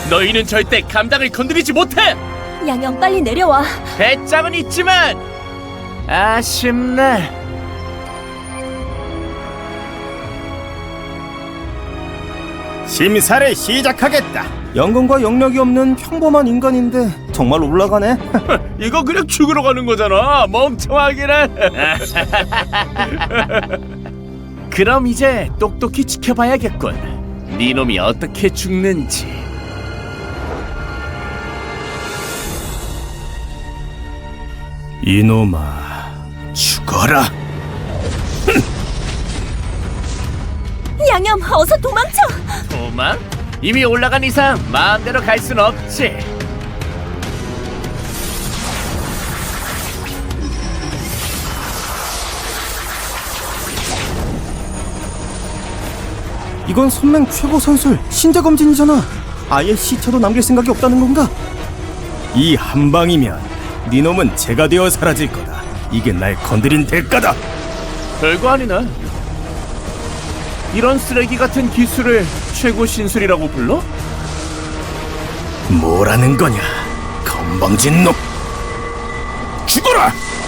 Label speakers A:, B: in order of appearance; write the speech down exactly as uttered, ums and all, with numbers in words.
A: 너희는 절대 감당을 건드리지 못해!
B: 양형 빨리 내려와.
A: 배짱은 있지만 아쉽네.
C: 심사를 시작하겠다. 연금과 영력이 없는 평범한 인간인데 정말 올라가네.
A: 이거 그냥 죽으러 가는 거잖아, 멍청하기는. 그럼 이제 똑똑히 지켜봐야겠군. 네 놈이 어떻게 죽는지.
C: 이놈아, 죽어라.
B: 양형 어서 도망쳐.
A: 도망? 이미 올라간 이상 마음대로 갈 순 없지.
C: 이건 선맹 최고 선술 신자 검진이잖아. 아예 시체도 남길 생각이 없다는 건가? 이 한 방이면 네 놈은 제가 되어 사라질 거다. 이게 날 건드린 대가다.
A: 별거 아니네. 이런 쓰레기 같은 기술을 최고 신술이라고 불러?
C: 뭐라는 거냐, 건방진 놈. 죽어라.